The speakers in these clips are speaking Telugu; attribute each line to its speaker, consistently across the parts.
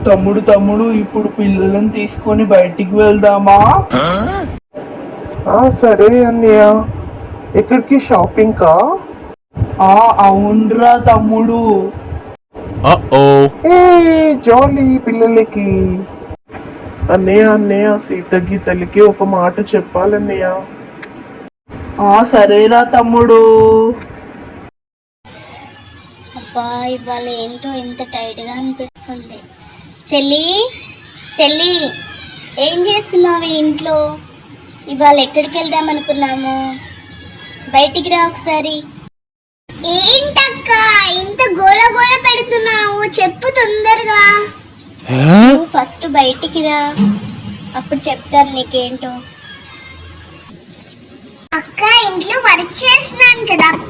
Speaker 1: తమ్ముడు ఇప్పుడు పిల్లలను తీసుకొని బయటికి వెళ్దామా?
Speaker 2: సరే అన్నయ్య. ఎక్కడికి? షాపింగ్ కా?
Speaker 1: అవునరా తమ్ముడు.
Speaker 2: ఏ జాలీ పిల్లలకి. అన్నయ్య సీత గీతలకి ఒక మాట చెప్పాలన్నయ్య.
Speaker 1: సరేరా తమ్ముడు.
Speaker 3: అబ్బా ఇవాళ ఏంటో ఇంత టైట్గా అనిపిస్తుంది. చెల్లి ఏం చేస్తున్నావు ఇంట్లో? ఇవాళ ఎక్కడికి వెళ్దాం అనుకున్నాము? బయటికి రా ఒకసారి. ఏంటక్క ఇంత గోల గోల పెడుతున్నావు? చెప్పు తొందరగా. నువ్వు ఫస్ట్ బయటికి రా, అప్పుడు చెప్తాను నీకేంటో. అక్క ఇంట్లో వర్క్ చేస్తున్నాను కదా అక్క.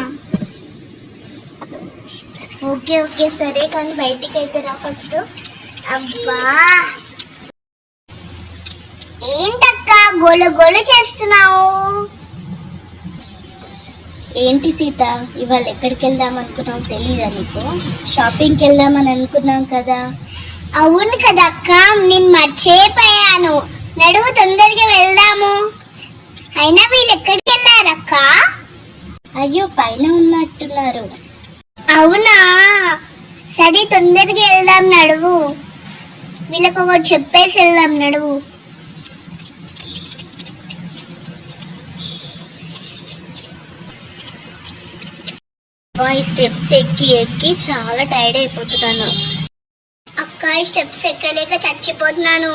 Speaker 3: ఓకే సరే, కానీ బయటికి అయితే రా ఫస్ట్. అబ్బా ఏంటక్క గోల గోల చేస్తున్నావు? ఏంటి సీత, ఇవాళ ఎక్కడికి వెళ్దాం అనుకున్నావు తెలీదా నీకు? షాపింగ్కి వెళ్దామని అనుకున్నాం కదా. అవును కదా అక్క, నేను మర్చిపోయాను. నడువు తొందరగా వెళ్దాము. అయినా వీళ్ళు ఎక్కడికి వెళ్ళారక్క? అయ్యో పైన ఉన్నట్టున్నారు. అవునా, సరే తొందరగా వెళ్దాం నడువు. వీళ్ళకి ఒకటి చెప్పేసి వెళ్దాం నడువు. ఈ స్టెప్స్ ఎక్కి చాలా టైర్డ్ అయిపోతున్నాను అక్క. ఈ స్టెప్స్ ఎక్కలేక చచ్చిపోతున్నాను.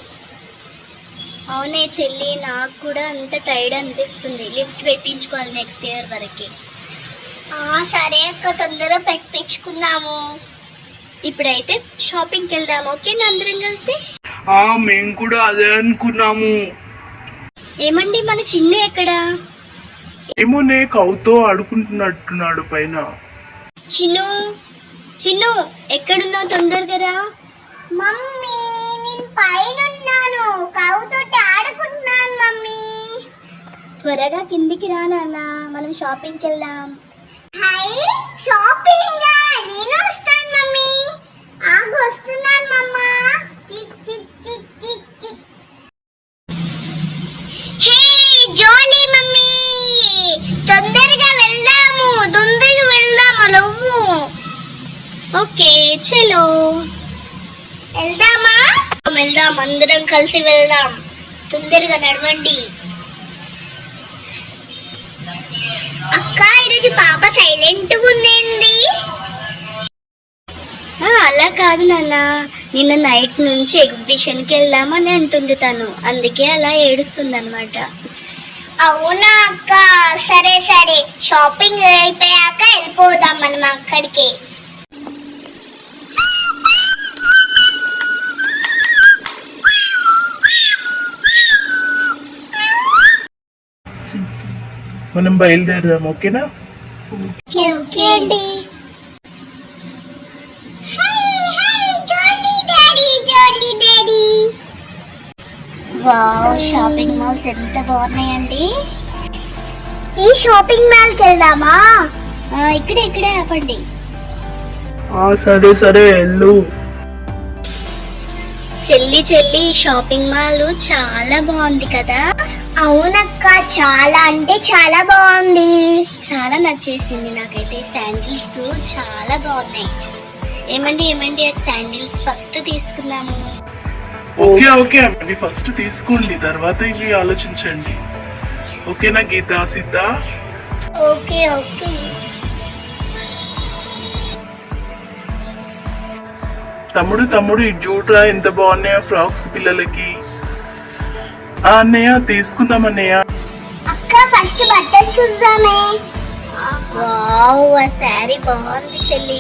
Speaker 3: అవునే చెల్లి, నాకు కూడా అంత టైర్డ్ అనిపిస్తుంది. లిఫ్ట్ పెట్టించుకోవాలి నెక్స్ట్ ఇయర్ వరకు. సరే అక్క, తొందరగా పెట్టించుకున్నాము. ఇప్పుడైతే షాపింగ్కి వెళ్దాము. ఓకేనా అందరం కలిసి?
Speaker 1: మేము కూడా అదే అనుకున్నాము.
Speaker 3: ఏమండి మన చిన్ను ఎక్కడా?
Speaker 2: ఏమోనే, కౌతో ఆడుకుంటున్నట్టున్నాడు పైన.
Speaker 3: చిన్ను ఎక్కడున్నావు? తొందరగా రా. మమ్మీ నేను పైన ఉన్నాను, కౌతో ఆడుకుంటున్నాను మమ్మీ. త్వరగా కిందికి రా నాన్న, మనం షాపింగ్కి వెళ్దాం. షాపింగ్? నేను వస్తాను మమ్మీ. వస్తున్నాను మమ్మా. హే జోలీ మమ్మీ, తొందరగా వెళ్దాము నువ్వు. ఓకే చలో వెళ్దాం, అందరం కలిసి వెళ్దాం. తొందరగా నడవండి. అక్క ఈరోజు పాప సైలెంట్గా ఉందేంది? అలా కాదు నాన్న, నిన్న నైట్ నుంచి ఎగ్జిబిషన్కి వెళ్దామని అంటుంది తను, అందుకే అలా ఏడుస్తుంది అనమాట. అవునా అక్క, సరే షాపింగ్ అయిపోయాక వెళ్ళిపోదాం మనం అక్కడికి.
Speaker 2: మనం బయలుదేరదాం. ఓకేనా?
Speaker 3: ఓకే అండి. వావ్, షాపింగ్ మాల్స్ ఎంత బాగున్నాయండి. ఈ షాపింగ్ మాల్కి వెళ్దామా? ఇక్కడే ఆపండి.
Speaker 1: సరే వెళ్ళు.
Speaker 3: చెల్లి షాపింగ్ మాల్ చాలా బాగుంది కదా? అవునక్క, చాలా అంటే చాలా బాగుంది. చాలా నచ్చేసింది నాకైతే. శాండిల్స్ చాలా బాగున్నాయి. ఏమండి శాండిల్స్ ఫస్ట్ తీసుకుందాము.
Speaker 2: ఓకే అవి ఫస్ట్ తీసుకోండి, తర్వాత ఇవి ఆలోచించండి. ఓకేనా గీత, సిద్ధ?
Speaker 3: ఓకే
Speaker 2: తమ్ముడు ఇటు చూడరా, ఎంత బాగున్నాయో ఫ్రాక్స్ పిల్లలకి. అన్నయ్య తీసుకుందాం అన్నయ్య.
Speaker 3: అక్క ఫస్ట్ బట్టలు చూద్దామే. వావ్, ఆ శారీ బాగుంది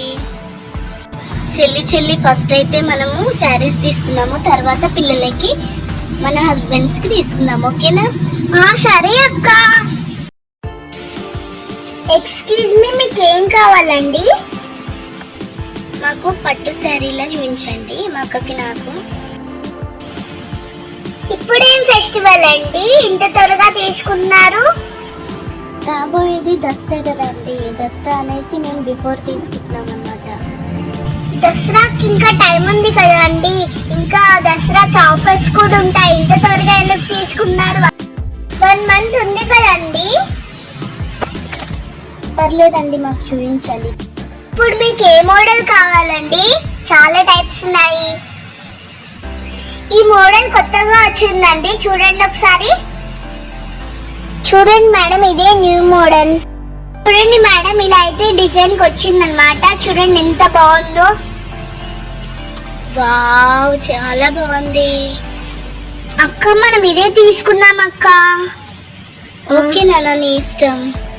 Speaker 3: చెల్లి. ఫస్ట్ అయితే మనము శారీస్ తీసుకుందాము, తర్వాత పిల్లలకి మన హస్బెండ్స్ కి తీసుకుందాము. ఓకేనా? సరే అక్క. ఎక్స్క్యూజ్ మీ, మీకు ఏం కావాలండి? మాకు పట్టు శారీలా చూపించండి, మా అక్కకి నాకు. ఇప్పుడేం ఫెస్టివల్ అండి ఇంత త్వరగా తీసుకున్నారు? రాబోయేది దసరా కదండి, దసరా అనేసి మేము బిఫోర్ తీసుకుంటున్నాం అన్నమాట. దసరాకి ఇంకా టైం ఉంది కదండి, ఇంకా దసరాకి ఆఫర్స్ కూడా ఉంటాయి. ఇంత త్వరగా ఎందుకు తీసుకున్నారు? 1 month ఉంది కదండి. పర్లేదండి, మాకు చూపించాలి. ఇప్పుడు మీకు ఏ మోడల్ కావాలండి? చాలా టైప్స్ ఉన్నాయి. ఈ మోడల్ కొత్తగా వచ్చిందండి, చూడండి ఒకసారి. చూడండి మేడం, ఇదే న్యూ మోడల్. చూడండి మేడం, ఇలా అయితే డిజైన్ కి వచ్చిందనమాట. చూడండి ఎంత బాగుందో. వావ్, చాలా బాగుంది అక్క. మనం ఇదే తీసుకుందాం అక్క. ఓకే నాన్న, నీ ఇష్టం.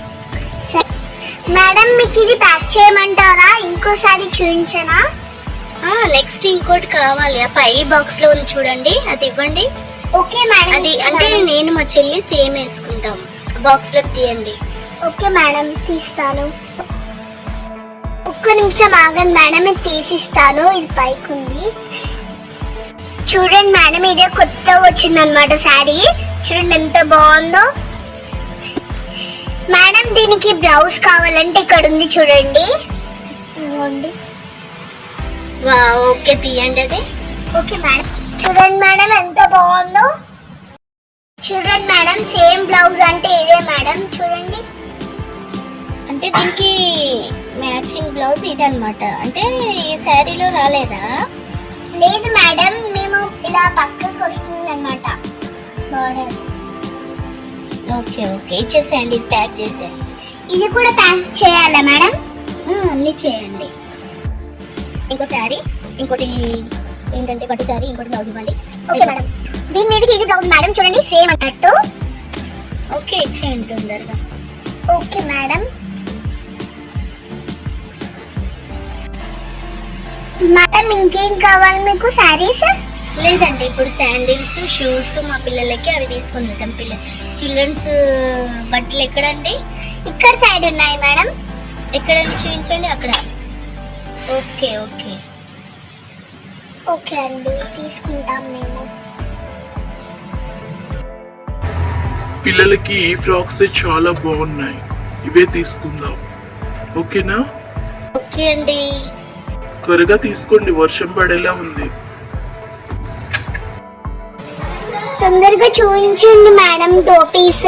Speaker 3: మేడం, మీకు ఇది ప్యాక్ చేయమంటారా? ఇంకోసారి చూపించనా? నెక్స్ట్ ఇంకోటి కావాలి. ఆ పై బాక్స్ లో ఉంది చూడండి, అది ఇవ్వండి. Okay madam. అది అంటే నేను మా చెల్లి సేమ్ వేసుకుంటాం. బాక్స్ లో తీయండి. ఓకే మేడం, తీస్తాను. ఒక్క నిమిషం ఆగండి మేడం, ఇది తీసిస్తాను. ఇది పైకి ఉంది. చూడండి మేడం, ఇదే కొత్తగా వచ్చిందనమాట శారీ. చూడండి ఎంత బాగుందో. మేడం, దీనికి బ్లౌజ్ కావాలంటే ఇక్కడ ఉంది చూడండి. ఓకే, తీయండి అది. Okay madam. చూడండి మేడం, ఎంత బాగుందో. చూడండి మేడం, సేమ్ బ్లౌజ్ అంటే ఇదే మేడం. చూడండి, అంటే దీనికి మ్యాచింగ్ బ్లౌజ్ ఇది అనమాట. అంటే ఈ శారీలో రాలేదా? లేదు మేడం, మేము ఇలా పక్కకు వస్తుంది అనమాట బార్డర్. ఓకే ఓకే, ఇచ్చేసేయండి. ఇది ప్యాక్ చేసేయండి. ఇది కూడా ప్యాక్ చేయాలా మేడం? అన్నీ చేయండి. ఇంకో శారీ, ఇంకోటి ఏంటంటే పట్టు శారీ, ఇంకోటి బ్లౌజ్ ఇవ్వండి. Okay madam. దీని మీదకి ఇది బ్లౌజ్ మేడం, చూడండి సేమ్ అన్నట్టు. ఓకే, ఇచ్చేయండి తొందరగా. Okay madam. మేడం, ఇంకేం కావాలి మీకు శారీస్? లేదండి, ఇప్పుడు శాండిల్స్, షూస్ మా పిల్లలకి అవి తీసుకొని వెళ్తాం. చిల్డ్రన్స్ బట్టలు ఎక్కడండి? ఇక్కడ సైడ్ ఉన్నాయి మేడం. ఎక్కడండి, చూపించండి. అక్కడ. ఓకే ఓకే ఓకే అండి, తీసుకుంటాం మేము.
Speaker 2: పిల్లలకి ఈ ఫ్రాక్స్ చాలా బాగున్నాయి, ఇవే తీసుకుందాం. ఓకేనా?
Speaker 3: ఓకే అండి.
Speaker 2: త్వరగా తీసుకోండి, వర్షం పడేలా ఉంది.
Speaker 3: తొందరగా చూపించండి మేడం టోపీస్.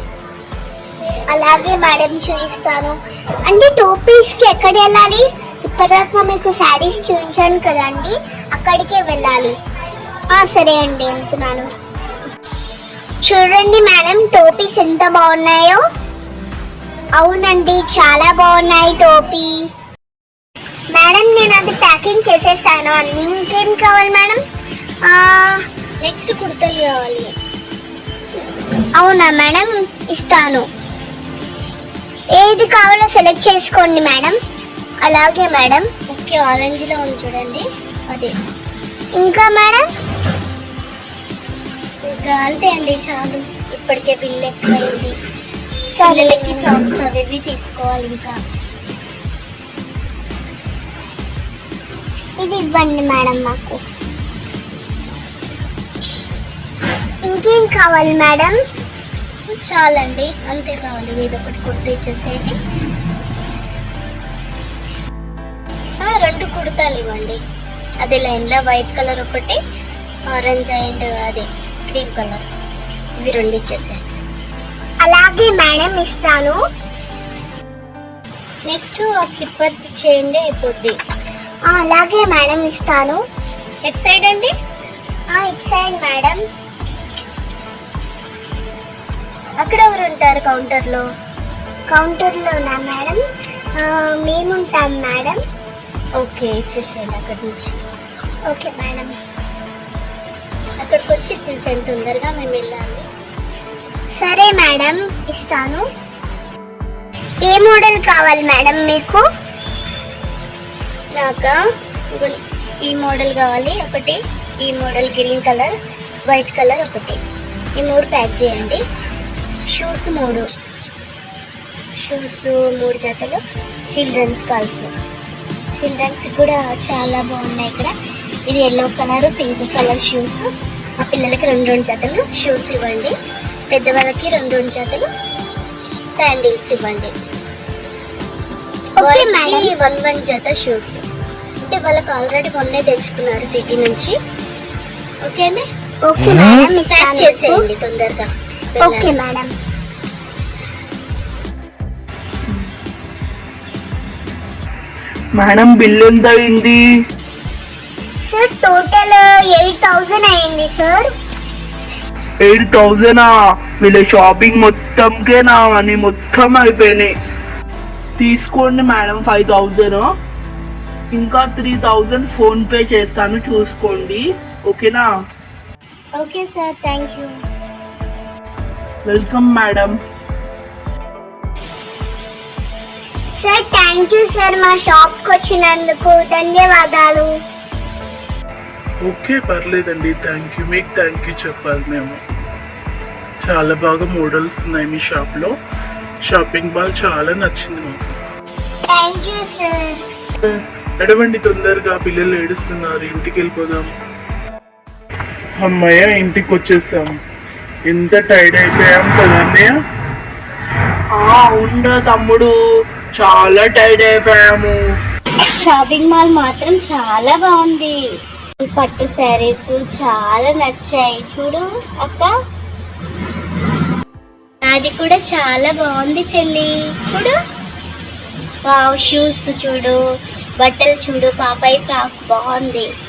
Speaker 3: అలాగే మేడం, చూపిస్తాను. అంటే టోపీస్ కి ఎక్కడ వెళ్ళాలి? ఇప్పటిదాకా మీకు శారీస్ చూపించాను కదండి, అక్కడికే వెళ్ళాలి. సరే అండి, వెళ్తున్నాను. చూడండి మేడం, టోపీస్ ఎంత బాగున్నాయో. అవునండి, చాలా బాగున్నాయి టోపీ. మేడం, నేను అది ప్యాకింగ్ చేసేసాను అన్ని. ఇంకేం కావాలి మేడం? నెక్స్ట్ కుర్తలు కావాలి. అవునా మేడం, ఇస్తాను. ఏది కావాలో సెలెక్ట్ చేసుకోండి మేడం. అలాగే మేడం. ఓకే, ఆరెంజ్లో ఉంది చూడండి, అదే. ఇంకా మేడం? ఇంకా అంతే అండి, చాలు. ఇప్పటికే బిల్ ఎక్కువైంది. పిల్లలకి ఫ్రాక్స్ అవి ఇవి తీసుకోవాలి. ఇంకా ఇది ఇవ్వండి మేడం మాకు. ఇంకేం కావాలి మేడం? చాలండి, అంతే కావాలి. ఏదో ఒకటి కుర్తా ఇచ్చేసేది. 2 కుర్తాలు ఇవ్వండి. అదే లైన్లో వైట్ కలర్ ఒకటి, ఆరెంజ్ అండ్ అదే క్రీమ్ కలర్, ఇవి 2 ఇచ్చేసేయండి. అలాగే మేడం, ఇస్తాను. నెక్స్ట్ స్లిప్పర్స్ ఇచ్చేయండి, అయిపోద్ది. అలాగే మేడం, ఇస్తాను. ఎట్ సైడ్ అండి? It side madam. అక్కడ ఎవరు ఉంటారు కౌంటర్లో? కౌంటర్లోనా మేడం? మేముంటాం మేడం. ఓకే, ఇచ్చేసేయండి అక్కడి నుంచి. Okay madam. అక్కడికి వచ్చి ఇచ్చేసేయండి తొందరగా, మేము వెళ్ళాలి. సరే మేడం, ఇస్తాను. ఏ మోడల్ కావాలి మేడం మీకు? నాకా ఈ మోడల్ కావాలి ఒకటి, ఈ model green colour, white colour ఒకటి. ఈ 3 ప్యాక్ చేయండి. షూస్ 3 జతలు. చిల్డ్రన్స్ కాల్స్, చిల్డ్రన్స్ కూడా చాలా బాగున్నాయి ఇక్కడ. ఇది yellow colour, pink colour shoes. ఆ పిల్లలకి 2 జతలు షూస్ ఇవ్వండి. పెద్దవాళ్ళకి 2 జతలు శాండిల్స్ ఇవ్వండి. 1 జత షూస్. అంటే వాళ్ళకి ఆల్రెడీ మొన్నే తెచ్చుకున్నారు సిటీ నుంచి. ఓకేనా? ఓకే మేడం, ప్యాక్ చేసేయండి తొందరగా. Okay madam.
Speaker 1: మేడం బిల్ ఎంత అయింది?
Speaker 3: సార్ టోటల్ 8,000 అయింది సార్.
Speaker 1: 8,000? వీళ్ళ షాపింగ్ మొత్తంకే నా మనీ మొత్తం అయిపోయినాయి. తీసుకోండి మేడం 5,000. ఇంకా 3,000 ఫోన్ పే చేస్తాను, చూసుకోండి. ఓకేనా?
Speaker 3: Okay sir, thank you.
Speaker 1: Welcome madam.
Speaker 3: Sir thank you sir, మా షాప్కి వచ్చినందుకు ధన్యవాదాలు.
Speaker 2: ఓకే పర్లేదండి, థ్యాంక్ యూ. మీకు థ్యాంక్ యూ చెప్పాలి మేము. చాలా బాగా మోడల్స్ ఉన్నాయి మీ షాప్లో. షాపింగ్ మాల్ చాలా నచ్చింది మాకు.
Speaker 3: Thank you sir.
Speaker 2: నడవండి తొందరగా, పిల్లలు ఏడుస్తున్నారు, ఇంటికి వెళ్ళిపోదాం. అమ్మయ్య ఇంటికి వచ్చేసాం. ఎంత టైర్డ్ అయిపోయాం కదా అన్నయ్య.
Speaker 1: అవునరా తమ్ముడు, చాలా టైర్డ్ అయిపోయాము.
Speaker 3: షాపింగ్ మాల్ మాత్రం చాలా బాగుంది. ఈ పట్టు శారీస్ చాలా నచ్చాయి. చూడు అక్క, అది కూడా చాలా బాగుంది చెల్లి. చూడు, వావ్, షూస్ చూడు, బట్టలు చూడు, పాపాయి ఫ్రాక్ బాగుంది.